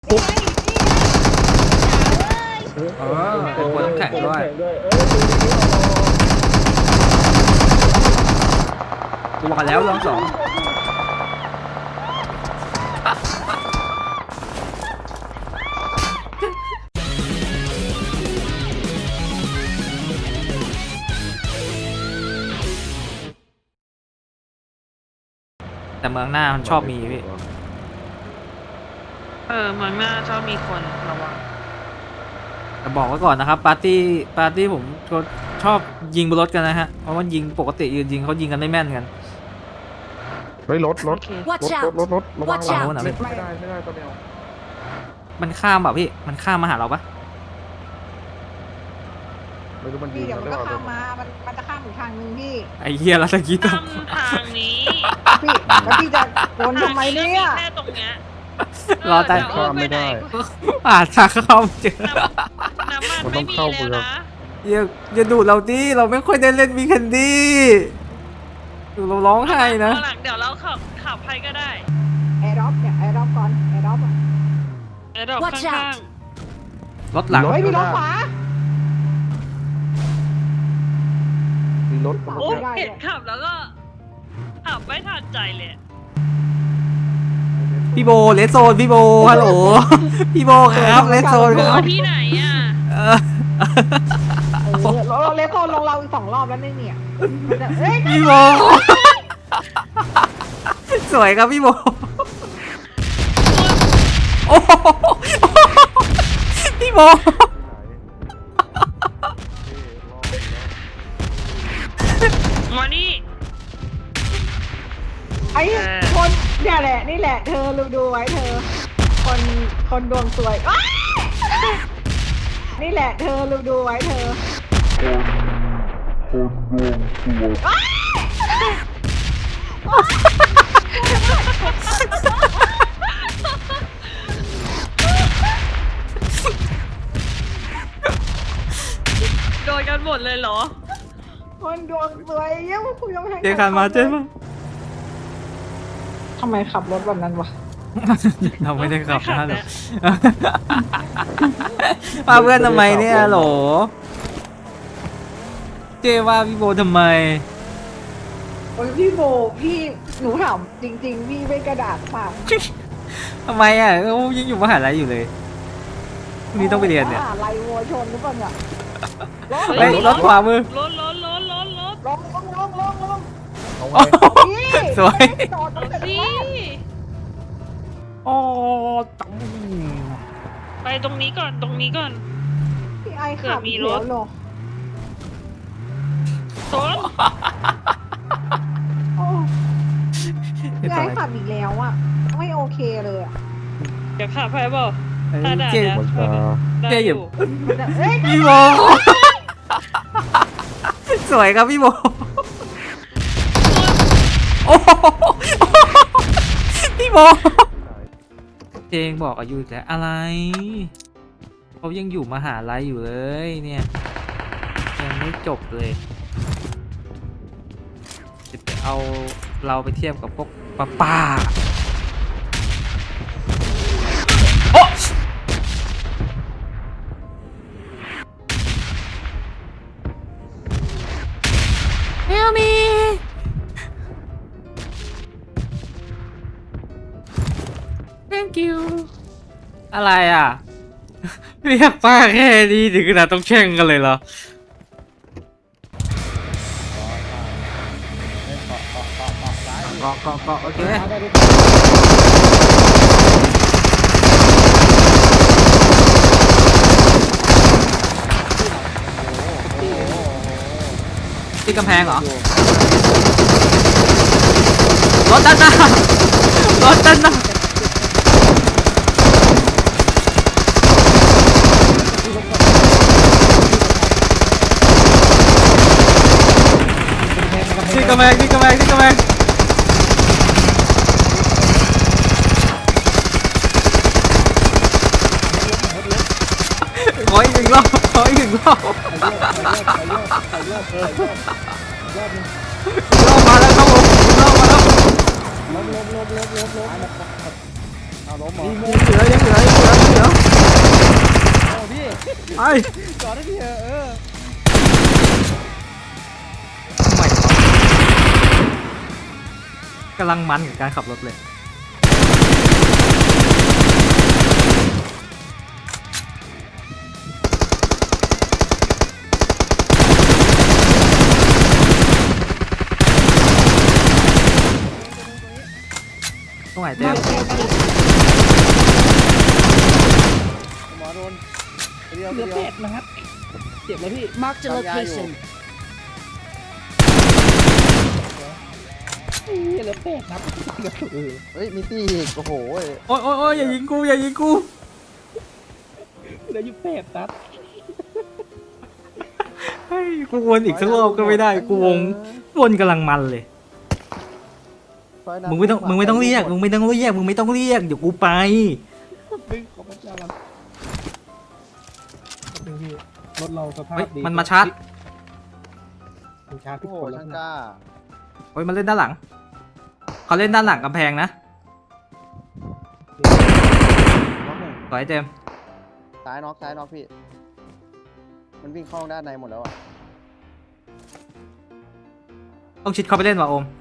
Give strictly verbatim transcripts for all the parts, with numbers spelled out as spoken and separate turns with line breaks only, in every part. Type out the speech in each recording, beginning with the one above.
ปุ๊บ
เออเป็นคนน้ำแข็งด้วยกูบอกแล้วรอบสองแต่เมืองหน้ามันชอบมีพี่
เออเมืองหน้าชอบมีคนระวัง
แต่บอกไว้ก่อนนะครับปาร์ตี้ปาร์ตี้ผมก็ชอบยิงบนรถกันนะฮะเพราะว่ายิงปกติยืนยิงเขายิงกันไม่แม่นกัน
เฮ้ยรถรถ
โอเค
รถ
Watch
รถ
out!
รถรถระวัง
Watch
ระวัง
out!
ไม่ได้ไม่ได้ตัวเดียว
มันข้ามแบบพี่มันข้ามมาหาเราปะ
ไม่รู้มันยิ
พี่
ง
เดี๋ยว
ห
มั
รื
น
อเป
ก็
ล่า
ข้ามมา มันมันจะข้ามอีกทางนึงพี่
ไอ้เหี้ยแล้วตะกี้ต้อง
ทำทางนี้
พี่แล้วพี่จะวนทำไมเนี่ย
แค่ตรงเนี้ย
รอแต่
เดี๋ยว
ข้ามไม่ได้
อ่าทางเข้าไม่เจอ
น้ำมัน
มันต้
ไม่
อง
มี
เข้า
แล้ว
เมือง
นะ
อย่าอย่าดูเราดิเราไม่ค่อยได้เล่นวีแคนดี้ดูเราร้องไห้นะ
เอาหลังเดี๋ยวเราขับขับให้ก็ได้
แอร์ดรอปเนี่ยแอร์ดรอปก่อนแอร์ดรอปอ่ะ
เดี๋ยวดอก
Watch
ข้าง
out
รถหลัง
เฮ้ยมีรถขวา
มีรถ
ๆ
กำลั
โอ้
งจะ
เห็นขับแล้วก็ขับไม่ทันใจเลย
พี่โบเลสโซนพี่โบฮัลโหลพี่โบครับเลสโซนค
โอ้
รับ
ที่ไหนอ่ะ
เออ
เออเราเราเลสโซนลงเราอีกสองรอบแล้วเนี่ยเนี่ยมันจะเฮ้ย
พี่โบสวยครับพี่โบโอ้โหพี่โบ
มานี่
ไอ้คนเนี่ยแหละนี่แหละเธอดูดูไว้เธอ คนคนดวงสวยอ้ายนี่แหละเธอดูดูไว้เธอ
โดนกันหมดเลยเหรอ
คนดวงสวยเยี่ยมคุยยังไม่ทั
เจคันมาเจ๊มา
ทำไมขับรถแบบนั้นวะ
เราไม่ได้ขับ
ไม่ขั
นะ
บ
หร
แล้
อ
ว
ว่าเพื่อนทำไมเนี่ยโหลเจว่าพี่โบทำไม
โอ้ยพี่โบพี่หนูถามจริง ๆ พี่ไม่กระดาษเปล่า
ทำไมอ่ะเขายังอยู่มหาลัยอยู่เลยพรุ่งนี้ต้องไปเรียนเนี่ย
มหาลัยวัวชนหรือเปล่าเนี่ย
ไป
เฮ้ย
รถขวามือ
รถรถรถรถรถ
ลงลงลงลงลง
เอา
โอ้
ไว้
โห
พี่
สวย
จอดตั้งแต่
สิ
แรก
โอ้ตัง
ไปตรงนี้ก่อนตรงนี้ก่อน
พี่ไอ
เผื่
ขั
อบ มี
อีก
ร
แล้
ถ
วเหรอ
โซน
โอ้พี่ไอขับอีกแล้วอ่ะไม่โอเคเลยอ่ะ
เดี๋ยวขับไปเปล่า
เอ้ยเจ
มันจะ
ได้
เจ๊
อ
อยู่
ยู่
มันจะเอ้ย
พี่โบสวยครับพี่โบโอ้โหพี่โบเจงบอกอายุอีกแล้วอะไรเขายังอยู่มหาลัยอยู่เลยเนี่ยยังไม่จบเลยจะไปเอาเราไปเทียบกับพวกป้าป้าโอ๊ะ Help me Thank you อะไรอ่ะ เรียกป้าแค่นี้ถึงขนาดต้องแช่งกันเลยเหรอเกาะเกาะเกาะโอเคที่กำแพงเหรอ รถด้านหน้ารถด้านหน้าที่กำแพงที่กำแพงที่กำแพงขออีกหนึ่งรอบขออีกหนึ่งรอบรอบมาแล้วครับผมรอบมาแล้ว
เอาล้มเหรอ
ยังเหลือยังเหลือยังเหลือยังเหลือ
โอ้พี่
ไป
จอดได้พี่เออเออ
ทำไมวะกำลังมันกับการขับรถเลยตรงไหนเต็ม
หมอโดนเดียว
เหลื
เดี
อ
ยว
เป็ดนะครับเจ็บแล้วพี่
Marked a location.
เหลือเป็ดครับ
เฮ้ยมีตีอีกโอ้โห
โอ้ยโอ้ยโอ้ยอย่ายิงกูอย่ายิงกู
เหลืออยู่เป็ดครับ
เฮ้ยกูวนอีกสักรอบก็ไม่ได้กูวงวนกำลังมันเลยมึงไม่ต้องมึงไม่ต้องเรียกมึงไม่ต้องเรียกมึงไม่ต้องเรียกเดี๋ยวกูไป
ดึงขอพระเจ้าครับดึงพี่รถเราสภาพ
เฮ้ย
ดี
มันมาชาร์จ
มันชาร์จ
โอ้
พี่
โห
คนแล้ว
ช่าง
นะ
กล้า
เฮ้ยมันเล่นด้านหลังเขาเล่นด้านหลังกำแพงนะ
น็อกหนึ่ง
สวยเจมส์
ซ้ายน็อกซ้ายน็อกพี่มันวิ่งเข้าด้านในหมดแล้วอ่ะ
ต้องชิดเข้าไปเล่นว่ะโอม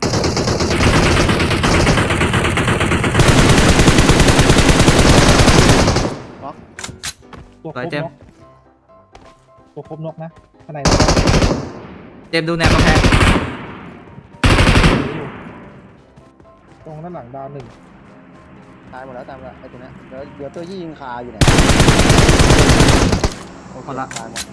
น็อก
ตัวค
ส
ร
วย
บ
เจม
น
ส์
กตัวครบนกนะข้างใน
เจมส์ดูแนวกำแพง
อยู่ตรงด้านหลังดาวหนึ่ง
ตายหมดแล้วตายหมดแล้วไอ้ตัวเนี้ยเดี๋ยวเดี๋ยวตัวยี่ยิงคาอยู่ไหนโอเคตายหมด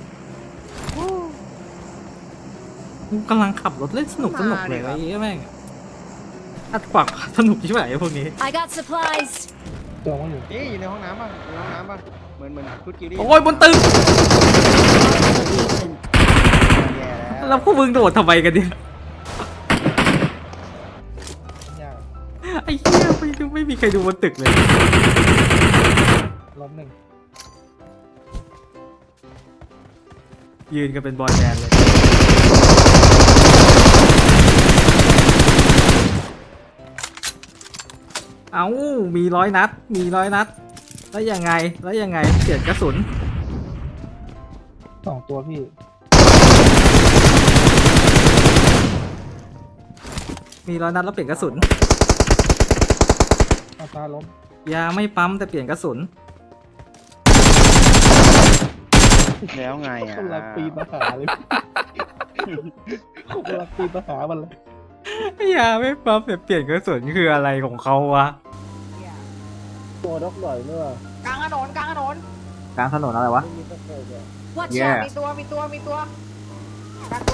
กูกำลังขับรถเล่นสนุกสนุกเลยไอ้เหี้ยแม่งอัดขวักสนุกใช่ไหมไอ้พวกนี้
I got supplies.
ตัวมันอยู่
นี่อยู่ในห้องน้ำป่ะอยู่ในห้องน้ำป่ะเหมือนเหมือนชุดกิลลี่
โอ้ยบนตึก
Location.
แย่แล้ว
แล้วพวกมึงโดดทำไมกันเนี่ย
ยาก
ไอ้เหี้ยไม่ไม่มีใครดูบนตึกเลย
ล้มหนึ่ง
ยืนกันเป็นบอยแบนด์เลย เอ้า มีร้อยนัด มีร้อยนัด แล้วยังไง แล้วยังไง เปลี่ยนกระสุน
สองตัวพี่
มีร้อยนัดแล้วเปลี่ยนกระสุน
เอาตาล้ม
ยาไม่ปั๊มแต่เปลี่ยนกระสุน
แล้วไงอ่ะ
คนละปีนมาหาเลยคนละปีนมาหามันเลย
ยาไม่ปั๊มแต่เปลี่ยนกระสุนคืออะไรของเขาวะ
ตัวดอกหน่อยเมื่อก
ลางถนนกลางถนน
กลางถนนอะไรวะ
ไม่มีตะเกียบเลย
Watch
Yeah.
out.
มีตัวมีตัวมีตัวกลางตัว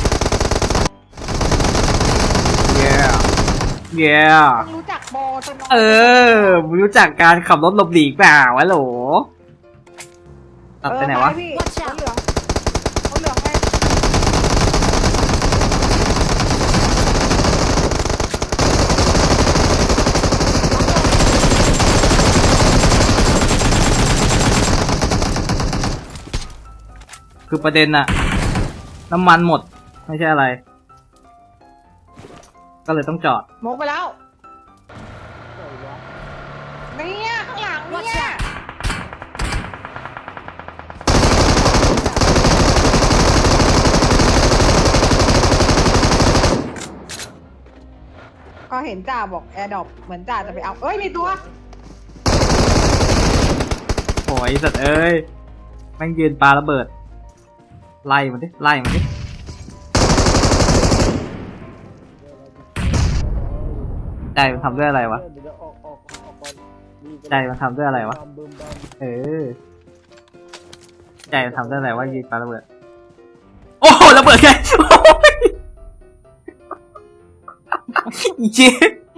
yeah yeah
มึงรู้จักโบตัวน้อย
เออมึงรู้จักการขับรถหลบหลีกเปล่าวะโหลตัดไปไหนวะ
เออพี่
Watch
ร
out
ถเหลืองรถเหลืองไป
คือประเด็นอะน้ำมันหมด ไม่ใช่อะไร ก็เลยต้องจอด
มกไปแล้วเนี่ยข้างหลัง
Watch
เนี่ย
out.
ก็เห็นจ่าบอกแอร์ดรอปเหมือนจ่าจะไปเอาเอ้ยมีตัว
โอ้ยสัตว์เอ้ยแม่งยืนปาระเบิด ไล่มันดิ ไล่มันดิ ใจมันทำด้วยอะไรวะ
เดี๋ยวออกออกออกก่อนมี
ใจมันทำด้วยอะไรวะ
บามบึมบาม
เออ ใจมันทำด้วยอะไรวะยืนปาระเบิด โอ้โหระเบิดไงโอ้ยอีเจ๊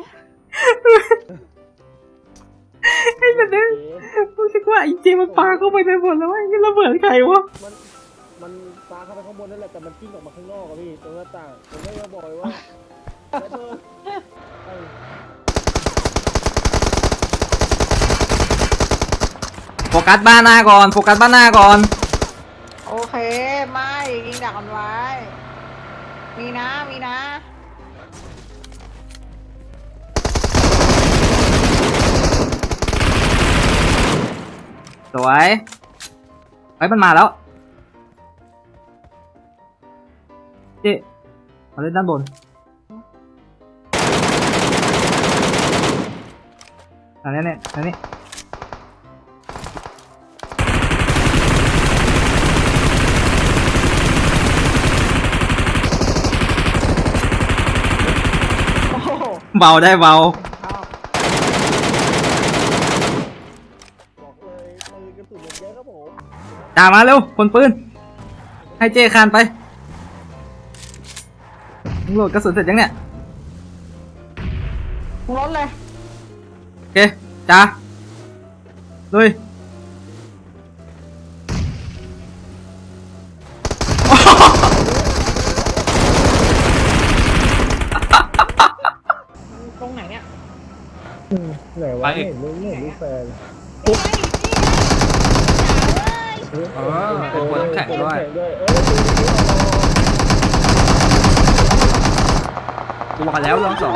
ไอ้สัตว์เนี่ยรู้สึกว่าไอ้เจมันปาเข้าไปในหมดแล้วไอ้ระเบิดใครวะ
มันมันปาเข้าไปข้างบนนั่นแหละแต่มันกิ้งออกมาข้างนอกอะพี่ตรงหน้าต่างผมก็จะบอกเลยว่าระเบิดไอ้
โฟกัสบ้านหน้าก่อน โฟกัสบ้านหน้าก่อน
โอเคไม่ยิงดักมันไว้มีนะมีนะ
สวยไอ้ยมันมาแล้วเจ๊มาเล่นด้านบนอันนี้เนี่ยอันนี้
โอ้โห
เบาได้เบา
เอา
บอกเลยปืนกระสุนเยอะครับผม
จ่ามาเร็วคนปืนให้เจคานไปมึงโหลดกระสุนเสร็จยังเนี่ย
มึงรถเลย
โอเคจ่าลุย
ตรงไหนเนี่ย
ไหนวะไม่เห็นลูกไม่เห็นลูกแฟน
เออเป็นคนน้ำแข็งด้วย
ด้วยเอ้ย
กูบอกแล้วรอบสอง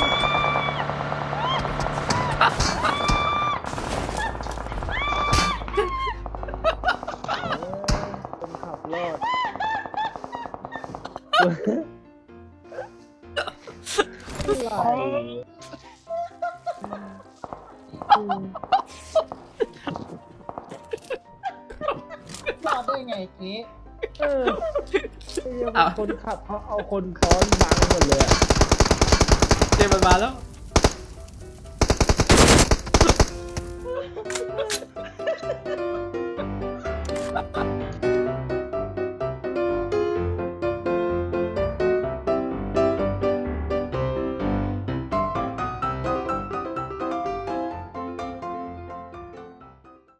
คนขับรอดอะไร
รอดได้ไงเจ๊
เออไอ้เหี้ยคนขับเขาเอาคนซ้อนบังหมดเลยอะ
เจมันมาแล้ว